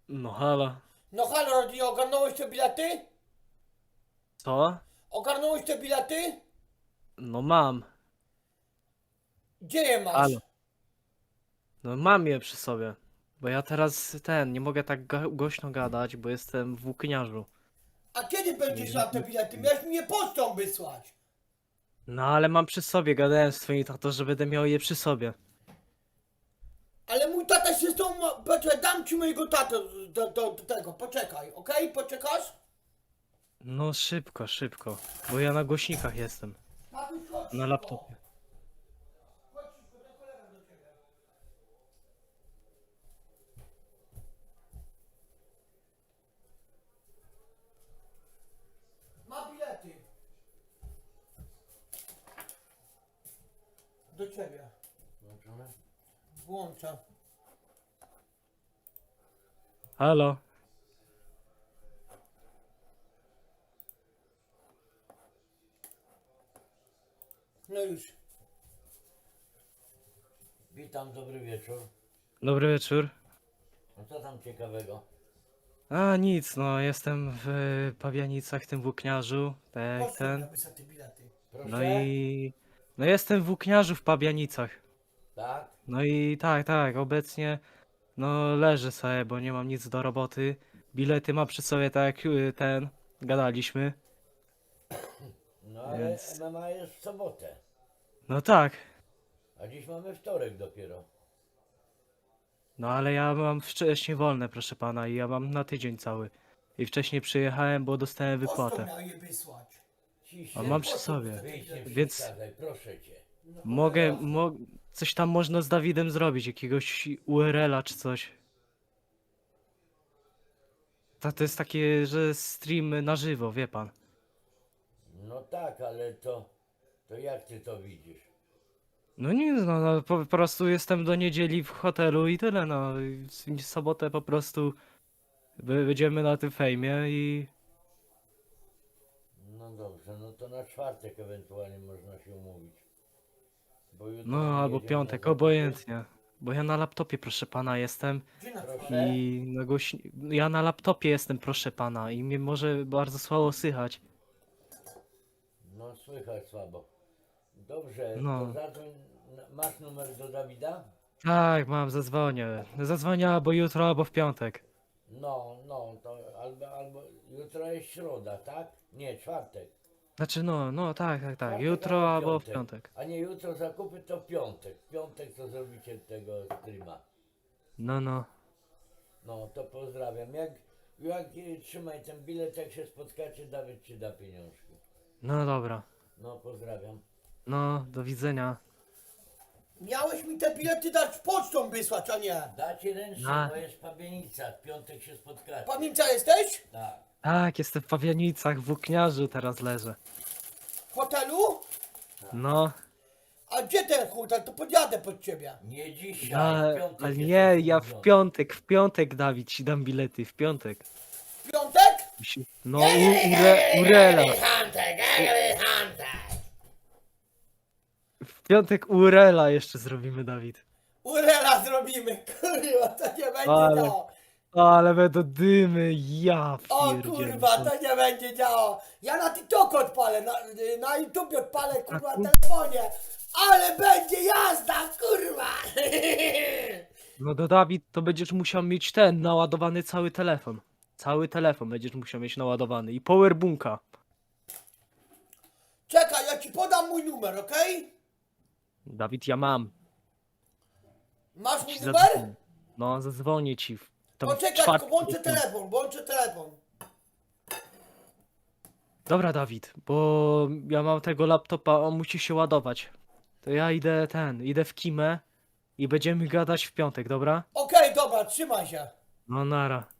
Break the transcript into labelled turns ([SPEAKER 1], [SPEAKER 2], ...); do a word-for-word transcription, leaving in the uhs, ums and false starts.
[SPEAKER 1] No halo.
[SPEAKER 2] No halo Rodino, ogarnąłeś te bilety?
[SPEAKER 1] Co?
[SPEAKER 2] Ogarnąłeś te bilety?
[SPEAKER 1] No mam.
[SPEAKER 2] Gdzie je masz?
[SPEAKER 1] Halo. No mam je przy sobie. Bo ja teraz ten, nie mogę tak ga głośno gadać, bo jestem w włókniarzu.
[SPEAKER 2] A kiedy będziesz miał te bilety? Miałeś mi je pocztą wysłać.
[SPEAKER 1] No ale mam przy sobie, gadałem z twoim tato, że będę miał je przy sobie.
[SPEAKER 2] Ale mój tata się z tą... Poczekaj, dam ci mojego tatę do, do, do tego, poczekaj, okej? Poczekasz?
[SPEAKER 1] No szybko, szybko. Bo ja na głośnikach jestem.
[SPEAKER 2] Tatuś, chodź
[SPEAKER 1] Na
[SPEAKER 2] szybko.
[SPEAKER 1] laptopie.
[SPEAKER 2] Chodź szybko, ten kolega do ciebie. Ma bilety. Do ciebie.
[SPEAKER 3] Włączone?
[SPEAKER 2] Włączę.
[SPEAKER 1] Halo.
[SPEAKER 2] No już.
[SPEAKER 3] Witam, dobry wieczór.
[SPEAKER 1] Dobry wieczór.
[SPEAKER 3] No co tam ciekawego?
[SPEAKER 1] A nic, no jestem w Pawianicach, tym włókniarzu, tak jak
[SPEAKER 2] Pocztą
[SPEAKER 1] ten.
[SPEAKER 2] napisać te bilety.
[SPEAKER 3] Proszę?
[SPEAKER 1] No i... No jestem w włókniarzu w Pabianicach.
[SPEAKER 3] Tak?
[SPEAKER 1] No i tak, tak, obecnie no leżę sobie, bo nie mam nic do roboty. Bilety mam przy sobie, tak jak y, ten, gadaliśmy.
[SPEAKER 3] No ale
[SPEAKER 1] Więc-
[SPEAKER 3] M M A jest w sobotę.
[SPEAKER 1] No tak,
[SPEAKER 3] A dziś mamy wtorek dopiero.
[SPEAKER 1] no ale ja mam wcześniej wolne, proszę pana, i ja mam na tydzień cały. I wcześniej przyjechałem, bo dostałem
[SPEAKER 2] Pocztą
[SPEAKER 1] wypłatę.
[SPEAKER 2] miał je wysłać.
[SPEAKER 3] Ciśnie.
[SPEAKER 1] A mam przy
[SPEAKER 2] Pocztą
[SPEAKER 1] sobie.
[SPEAKER 2] wtedy
[SPEAKER 3] Wyjdź, nie
[SPEAKER 2] bilety.
[SPEAKER 1] Więc-
[SPEAKER 3] przeszkadzaj, proszę cię.
[SPEAKER 1] Mogę, mo coś tam można z Dawidem zrobić, jakiegoś U R L a czy coś. Ta, to jest takie, że stream na żywo, wie pan.
[SPEAKER 3] No tak, ale to... To jak ty to widzisz?
[SPEAKER 1] No nic, no, no po, po prostu jestem do niedzieli w hotelu i tyle, no. I w sobotę po prostu by- będziemy na tym fejmie i...
[SPEAKER 3] No dobrze, no to na czwartek ewentualnie można się umówić. Bo jutro
[SPEAKER 1] No,
[SPEAKER 3] nie
[SPEAKER 1] albo
[SPEAKER 3] jedziemy
[SPEAKER 1] piątek,
[SPEAKER 3] na zakupy.
[SPEAKER 1] obojętnie. Bo ja na laptopie, proszę pana, jestem
[SPEAKER 2] Gdzie na
[SPEAKER 3] Proszę?
[SPEAKER 2] chwilę?
[SPEAKER 1] i na głośni... Ja na laptopie jestem, proszę pana, i mnie może bardzo słabo słychać.
[SPEAKER 3] No słychać słabo. Dobrze,
[SPEAKER 1] No.
[SPEAKER 3] to zadzwoń. Masz numer do Dawida?
[SPEAKER 1] Tak, mam, zadzwonię. Zadzwonię albo jutro, albo w piątek.
[SPEAKER 3] No, no, to albo, albo jutro jest środa, tak? Nie, czwartek.
[SPEAKER 1] Znaczy, no, no, tak, tak, tak.
[SPEAKER 3] Czwartek
[SPEAKER 1] Jutro albo w piątek.
[SPEAKER 3] A nie jutro zakupy, to w piątek. W piątek to zrobicie tego streama.
[SPEAKER 1] No, no.
[SPEAKER 3] No, to pozdrawiam. Jak, jak e, trzymaj ten bilet, jak się spotkacie, Dawid ci da pieniążki.
[SPEAKER 1] No dobra.
[SPEAKER 3] No, pozdrawiam.
[SPEAKER 1] No, do widzenia.
[SPEAKER 2] Miałeś mi te bilety dać pocztą wysłać, a nie.
[SPEAKER 3] Dacie ręcznie,
[SPEAKER 1] A.
[SPEAKER 3] bo jest pabienica. W piątek się spotkacie.
[SPEAKER 2] Pamięta jesteś?
[SPEAKER 3] Tak.
[SPEAKER 1] Tak, jestem w Pawianicach, w włókniarzu teraz leżę.
[SPEAKER 2] W hotelu?
[SPEAKER 1] No,
[SPEAKER 2] A gdzie ten hotel? To podjadę pod ciebie.
[SPEAKER 3] Nie dzisiaj,
[SPEAKER 1] ja,
[SPEAKER 3] w piątek
[SPEAKER 1] ale
[SPEAKER 3] jestem
[SPEAKER 1] nie, ja w
[SPEAKER 3] umówiony.
[SPEAKER 1] piątek, w piątek, Dawid, ci dam bilety, w piątek.
[SPEAKER 2] W piątek?
[SPEAKER 1] Musi- No, u, ure, Urela.
[SPEAKER 2] Huntek, Huntek.
[SPEAKER 1] W piątek Urela jeszcze zrobimy, Dawid.
[SPEAKER 2] Urela zrobimy, kurwa, to nie będzie
[SPEAKER 1] Ale-
[SPEAKER 2] działo.
[SPEAKER 1] Ale będą dymy, ja
[SPEAKER 2] O
[SPEAKER 1] pierdzielę.
[SPEAKER 2] kurwa, to nie będzie działo. Ja na TikToku odpalę, na, na YouTube odpalę, kurwa,
[SPEAKER 1] A
[SPEAKER 2] na
[SPEAKER 1] tu-
[SPEAKER 2] telefonie. Ale będzie jazda, kurwa.
[SPEAKER 1] No to Dawid, to będziesz musiał mieć ten, naładowany cały telefon. Cały telefon będziesz musiał mieć naładowany i powerbunka.
[SPEAKER 2] Czekaj, ja ci podam mój numer, okej?
[SPEAKER 1] Dawid, ja mam.
[SPEAKER 2] Masz mój
[SPEAKER 1] Ci
[SPEAKER 2] numer?
[SPEAKER 1] zadzwonię. No, zadzwonię ci. w- tam w
[SPEAKER 2] Poczekaj,
[SPEAKER 1] czwartek.
[SPEAKER 2] tylko włączę telefon, włączę telefon.
[SPEAKER 1] Dobra, Dawid, bo ja mam tego laptopa, on musi się ładować. To ja idę ten, idę w kimę i będziemy gadać w piątek, dobra?
[SPEAKER 2] Okej, dobra, trzymaj się.
[SPEAKER 1] No nara.